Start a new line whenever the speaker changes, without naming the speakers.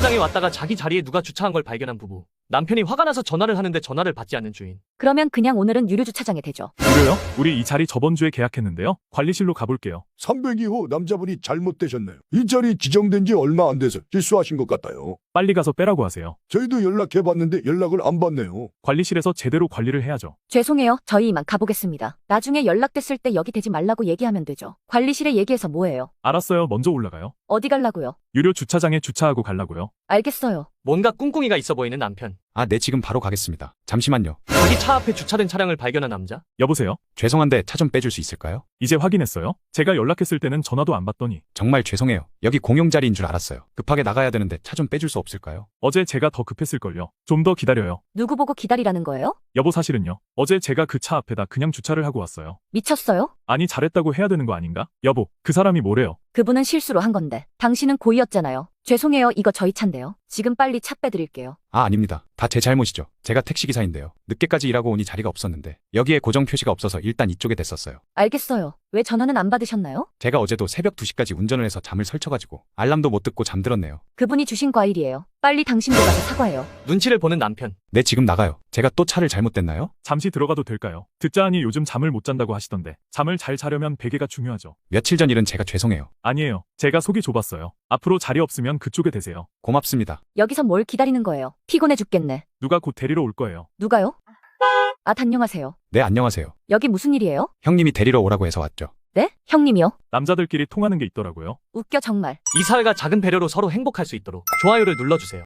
주차장에 왔다가 자기 자리에 누가 주차한 걸 발견한 부부. 남편이 화가 나서 전화를 하는데 전화를 받지 않는 주인.
그러면 그냥 오늘은 유료 주차장에 대죠.
유료요? 우리 이 자리 저번 주에 계약했는데요. 관리실로 가볼게요.
302호 남자분이 잘못되셨네요. 이 자리 지정된 지 얼마 안 돼서 실수하신 것 같아요.
빨리 가서 빼라고 하세요.
저희도 연락해봤는데 연락을 안 받네요.
관리실에서 제대로 관리를 해야죠.
죄송해요. 저희 이만 가보겠습니다. 나중에 연락됐을 때 여기 대지 말라고 얘기하면 되죠. 관리실에 얘기해서 뭐해요?
알았어요. 먼저 올라가요.
어디 갈라고요?
유료 주차장에 주차하고 가려고요.
알겠어요.
뭔가 꿍꿍이가 있어 보이는 남편.
아, 네, 지금 바로 가겠습니다. 잠시만요.
자기 차 앞에 주차된 차량을 발견한 남자.
여보세요?
죄송한데 차 좀 빼줄 수 있을까요?
이제 확인했어요? 제가 연락했을 때는 전화도 안 받더니
정말 죄송해요. 여기 공용 자리인 줄 알았어요. 급하게 나가야 되는데 차 좀 빼줄 수 없을까요?
어제 제가 더 급했을걸요. 좀 더 기다려요.
누구 보고 기다리라는 거예요?
여보 사실은요. 어제 제가 그 차 앞에다 그냥 주차를 하고 왔어요.
미쳤어요?
아니 잘했다고 해야 되는 거 아닌가? 여보, 그 사람이 뭐래요?
그분은 실수로 한 건데. 당신은 고의였잖아요. 죄송해요. 이거 저희 차인데요. 지금 빨리 차 빼드릴게요.
아, 아닙니다. 다 제 잘못이죠. 제가 택시기사인데요. 늦게까지 일하고 오니 자리가 없었는데 여기에 고정 표시가 없어서 일단 이쪽에 댔었어요.
알겠어요. 왜 전화는 안 받으셨나요?
제가 어제도 새벽 2시까지 운전을 해서 잠을 설쳐가지고 알람도 못 듣고 잠들었네요.
그분이 주신 과일이에요. 빨리 당신도 가서 사과해요.
눈치를 보는 남편.
네, 지금 나가요. 제가 또 차를 잘못됐나요?
잠시 들어가도 될까요? 듣자 하니 요즘 잠을 못 잔다고 하시던데 잠을 잘 자려면 베개가 중요하죠.
며칠 전 일은 제가 죄송해요.
아니에요. 제가 속이 좁았어요. 앞으로 자리 없으면 그쪽에 대세요.
고맙습니다.
여기서 뭘 기다리는 거예요? 피곤해 죽겠네.
누가 곧 데리러 올 거예요.
누가요? 아, 안녕하세요.
네, 안녕하세요.
여기 무슨 일이에요?
형님이 데리러 오라고 해서 왔죠.
네? 형님이요?
남자들끼리 통하는 게 있더라고요.
웃겨 정말.
이 사회가 작은 배려로 서로 행복할 수 있도록 좋아요를 눌러주세요.